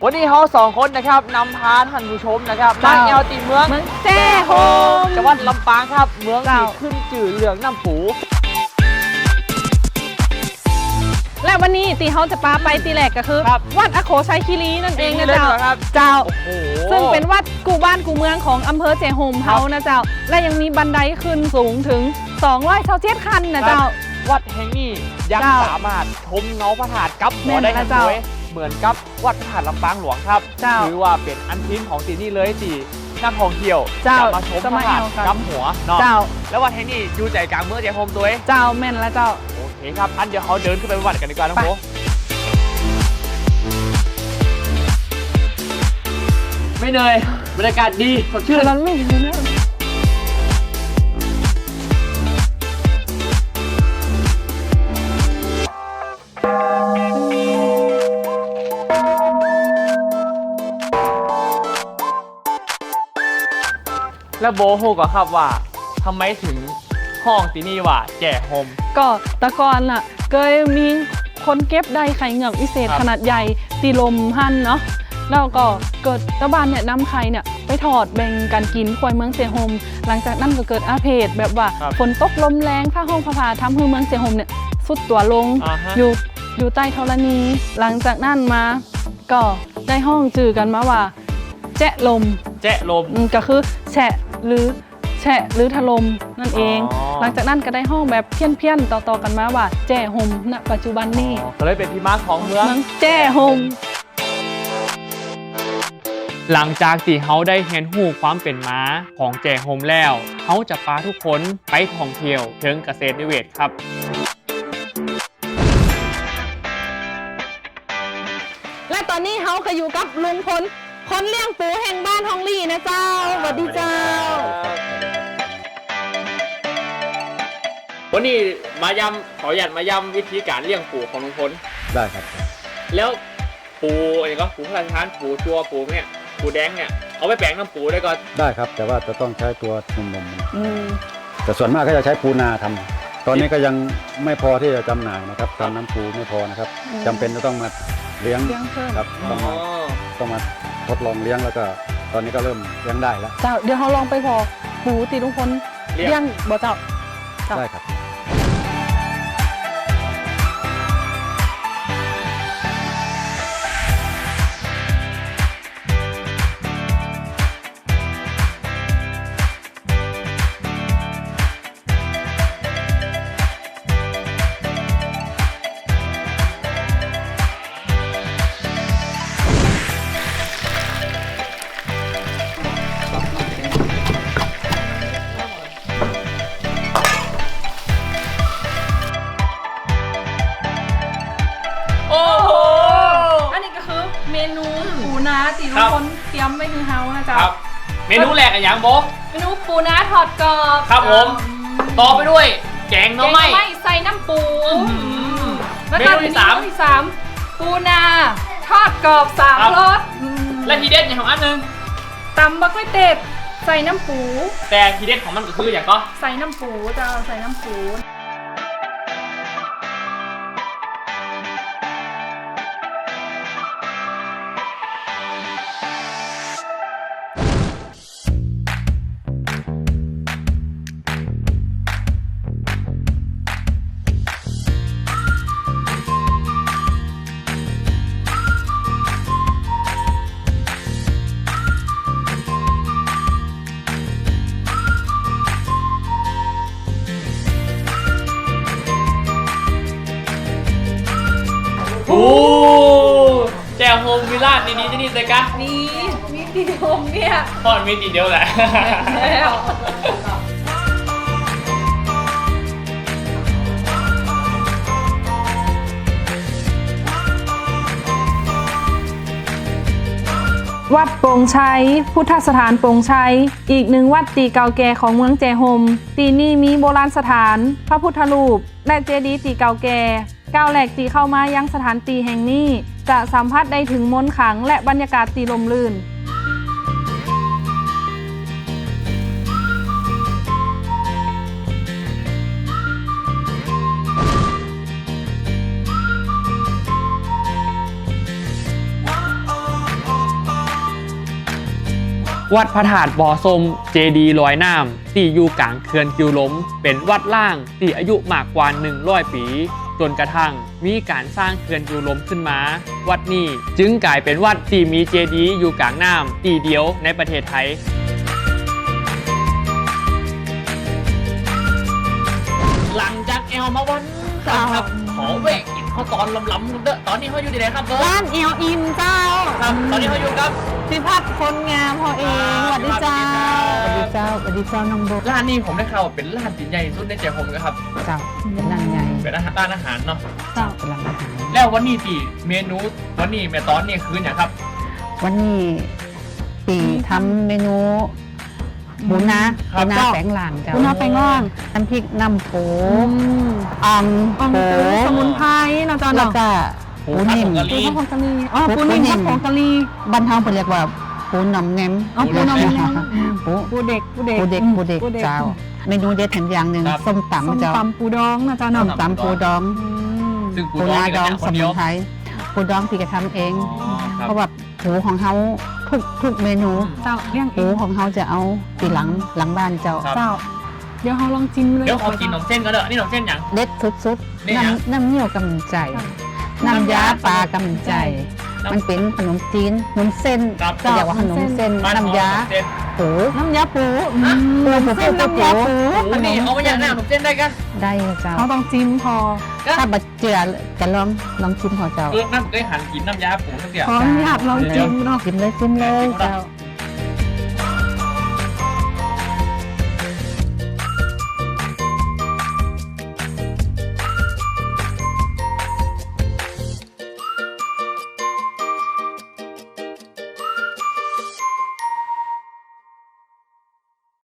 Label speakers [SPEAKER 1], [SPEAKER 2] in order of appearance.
[SPEAKER 1] วันนี้เขา2 คนนะครับนำพาท่านผู้ชมนะครับมาแอวตีเมือง
[SPEAKER 2] แจ้โฮม
[SPEAKER 1] จังหวัดลำปางครับเมืองที่ขึ้นจื่อเรื่องน้ำปู
[SPEAKER 2] และวันนี้ตีเขาจะปาไปตีแหลกก็คือวัดอโคชัยคีรีนั่นเองนะเจ้าซึ่งเป็นวัดกูบ้านกูเมืองของอำเภอแจ้โฮมเขานะเจ้าและยังมีบันไดขึ้นสูงถึง227 ขั้นนะเจ้า
[SPEAKER 1] วัดแห่งนี้ยังสามารถชมเงาพระธาตุกับหัวได้กันด้วยเหมือนกับวัดพระธาตุลำปางหลวงครับถือว่าเป็นอันทิ้นของที่นี่เลยที่นักท่องเที่ยวจะมาชมพระธาตุกับหัวเนาะแล้ววัดแห่งนี้อยู่ใจกลางเมืองแจ้โฮมด้วย
[SPEAKER 2] เจ้าแม่นแล้วเจ้า
[SPEAKER 1] โอเคครับอันเดี๋ยวเขาเดินขึ้นไปวัดกันดีกว่าน้องโบไม่เหนื่อยบรรยากาศดีสดชื่น
[SPEAKER 2] มันไม่ดีนะ
[SPEAKER 1] แล้วโบโฮก็ครับว่าทำไมถึงห้องที่นี่ว่าแจ้โฮม
[SPEAKER 2] ก็ตะกอนล่ะเคยมีคนเก็บได้ไข่เหงือกวิเศษขนาดใหญ่ตีลมหั่นเนาะแล้วก็เกิดตะบานเนี่ยนำไข่เนี่ยไปถอดแบ่งกันกินควายเมืองแจ้โฮมหลังจากนั้นก็เกิดอาเพศแบบว่าฝนตกลมแรงผ้าห้องผ้าทำให้เมืองแจ้โฮมเนี่ยสุดตัวลงอยู่ใต้ธรณีหลังจากนั้นมาก็ได้ห้องจื่อกันมาว่าแจะลมก็คือแฉะหรือถล่มนั่นเองหลังจากนั้นก็ได้ห้องแบบเพี้ยนต่อๆกันมาว่าแจ้โฮมณปัจจุบันนี้
[SPEAKER 1] ก็เลยเป็นที่มาของเมือง
[SPEAKER 2] แจ้โฮม
[SPEAKER 1] หลังจากที่เขาได้เห็นหูความเป็นม้าของแจ้โฮมแล้วเขาจะพาทุกคนไปท่องเที่ยวเชิงเกษตรนิเวศครับ
[SPEAKER 2] และตอนนี้เขาก็อยู่กับลุงพลคนเลี้ยงปูแห่งบ้านฮองลี่นะเจ้าสวัสดีเจ้า
[SPEAKER 1] วันนี้ขอหยัดมาย้ำวิธีการเลี้ยงปูของลุงพล
[SPEAKER 3] ได้ครับ
[SPEAKER 1] แล้วปูอะไรก็ปูพลังทานปูจัวปูเนี่ยปูแดงเนี่ยเอาไปแปลงน้ำปูได้ก่อน
[SPEAKER 3] ได้ครับแต่ว่าจะต้องใช้ตัวนมแต่ส่วนมากก็จะใช้ปูนาทำตอนนี้ก็ยังไม่พอที่จะจำหน่ายนะครับทำน้ำปูไม่พอนะครับจำเป็นจะต้องมาเลี้ยงครับต้องมาทดลองเลี้ยงแล้วก็ตอนนี้ก็เริ่มเลี้ยงได้แล้ว
[SPEAKER 2] เจ้าเดี๋ยวเราลองไปพอปูตีลุงพลเลี้ยงบ่เจ้า
[SPEAKER 3] ได้ครับ
[SPEAKER 2] เมนูปูนาตีลุงพลเตรียมไว้คือเฮานะจ๊ะ
[SPEAKER 1] เมนูแรกอย่างโบ
[SPEAKER 2] เมนูปูนาทอดกรอบ
[SPEAKER 1] ครับผมต่อไปด้วยแกงหน่อไม้
[SPEAKER 2] ใส่น้ำปู
[SPEAKER 1] เมนูที่
[SPEAKER 2] 3ปูนาทอดกรอบ3 รส
[SPEAKER 1] และทีเด็ดอย่างของอันนึง
[SPEAKER 2] ตำบักไม้เต็ดใส่น้ำปู
[SPEAKER 1] แต่ทีเด็ดของมันก็คืออย่างก็
[SPEAKER 2] ใส่น้ำปูจ้าใส่น้ำปู
[SPEAKER 1] โอ้แจวโฮมวิลล่าดีๆที่นี่เลยกะ
[SPEAKER 2] มีตีโฮมเนี่ย
[SPEAKER 1] พอมีตีเดียวแหละแล้ว
[SPEAKER 2] วัดโป่งชัยพุทธสถานโป่งชัยอีกหนึ่งวัดตีเก่าแก่ของเมืองแจ้โฮมตีนี่มีโบราณสถานพระพุทธรูปและเจดีย์ตีเก่าแก่ก้าวแหลกตีเข้ามายังสถานตีแห่งนี้จะสัมผัสได้ถึงมนต์ขลังและบรรยากาศตีลมลื่น
[SPEAKER 1] โวัดพระธาตุบ่อส้มเจดีย์ลอยน้ำที่อยู่กลางเขื่อนกิวล้มเป็นวัดล่างที่อายุมากกว่า100 ปีจนกระทั่งมีการสร้างเขื่อนกิวล้มขึ้นมาวัดนี้จึงกลายเป็นวัดที่มีเจดีย์อยู่กลางน้ำที่เดียวในประเทศไทยหลังจากแอลมาวันครับขอแวะกินข้าวตอนล้ำๆเด้อตอนนี้เขาอยู่ที่ไหนครับเบิร์ด
[SPEAKER 2] ร้านเอลอินเจ้า
[SPEAKER 1] ครับตอนนี้เขาอยู่ครับ
[SPEAKER 2] พิพัฒน์คนงามพอเองสวัสดีเจ้า
[SPEAKER 4] สวัสดีเจ้าน้องโบ
[SPEAKER 1] ร้านนี้ผมได้ข่าวว่าเป็นร้านที่ใหญ่ที่สุดในใจผมนะครับ
[SPEAKER 4] เจ้าเป็นร้านใหญ่
[SPEAKER 1] เป็นร้านอาหารเนาะ
[SPEAKER 2] เจ้า
[SPEAKER 4] เป็นร้านอาหาร
[SPEAKER 1] แล้ววันนี้ที่เมนูวันนี้แม่ตอนนี่คืออย่างครับ
[SPEAKER 4] วันนี้ปีทำเมนูหมูนาแปลงหลางเจ้า
[SPEAKER 2] ปูนาแปลงร่าง
[SPEAKER 4] น้ำพริกน้ำโข
[SPEAKER 2] อ่อม
[SPEAKER 4] อ่อม
[SPEAKER 2] ปู
[SPEAKER 4] โข
[SPEAKER 2] สมุนไพรเราจะ
[SPEAKER 4] แล้ว
[SPEAKER 2] เนาะ
[SPEAKER 4] ก็ปูนิ่ม
[SPEAKER 2] ปูข้าวผงกะหรี่อ๋อปูนิ่มข้าวผงกะหรี่
[SPEAKER 4] บ้านเฮาเรียกว่าปูหน่อมแหนม
[SPEAKER 2] อ๋อปูน้ำแดง
[SPEAKER 4] ปู
[SPEAKER 2] ปูเด็ก
[SPEAKER 4] ปูเด็กเจ้า เมนูเด็ดแถมอย่างหนึ่งส้ม
[SPEAKER 2] ส้ม
[SPEAKER 4] ตำเจ้า
[SPEAKER 2] ตำปูดองนะเจ้า
[SPEAKER 4] ส้
[SPEAKER 2] เนาะ
[SPEAKER 4] มตำปูดอง
[SPEAKER 1] ซึ่งปู
[SPEAKER 4] ปู
[SPEAKER 1] ดอง
[SPEAKER 4] นา
[SPEAKER 1] นี่
[SPEAKER 4] ด
[SPEAKER 1] ก็
[SPEAKER 4] อง
[SPEAKER 1] เนี่ยค
[SPEAKER 4] ส
[SPEAKER 1] นเดี
[SPEAKER 4] มุ
[SPEAKER 1] ย
[SPEAKER 4] น
[SPEAKER 1] ว
[SPEAKER 4] ไพรปูดองพี่ก็ทำเอง
[SPEAKER 1] ครับ
[SPEAKER 4] เพราะว่าหูของเขาทุกเมนู
[SPEAKER 2] เจ้าเลี้ยงเอ
[SPEAKER 4] หู
[SPEAKER 2] ง
[SPEAKER 4] ของเขาจะเอาตีหลังบ้านเจ้า
[SPEAKER 1] ครับ
[SPEAKER 2] เจ้า เดี๋ยวเราลองจิ้มเลย
[SPEAKER 1] เดี๋ยวขอกินขนมเส้นก็เด้อนี่ขนมเส้นอย่าง
[SPEAKER 4] เด็ดสุด
[SPEAKER 1] นี่
[SPEAKER 4] ๆ
[SPEAKER 1] นะ
[SPEAKER 4] น้ำเงี้ยวกำใจ น้ำยาปลากำใจ มันเป็นขนมจีนขนมเส้น
[SPEAKER 1] ครับ
[SPEAKER 4] เรียกว่าขนมเส้น
[SPEAKER 1] บ้
[SPEAKER 4] น้ำยา
[SPEAKER 1] ขนมเส้น
[SPEAKER 4] ปู
[SPEAKER 2] น้ำยาปู
[SPEAKER 4] ปู
[SPEAKER 2] เส้นน้ำยาปู
[SPEAKER 1] อันนี้เอามาอย่างหน้าขนมเส้นได้กัน
[SPEAKER 4] ได้เจ้า
[SPEAKER 2] เขาต้องจิ้มพอ
[SPEAKER 4] ถ้าบัดเจือจะลองชิมพอเจ้า
[SPEAKER 1] น้ำเคยหันกินน้ำยาปูสักเดียว
[SPEAKER 2] ขออนุญาตลองจิ้มเนาะ
[SPEAKER 4] ชิมเลยเจ้า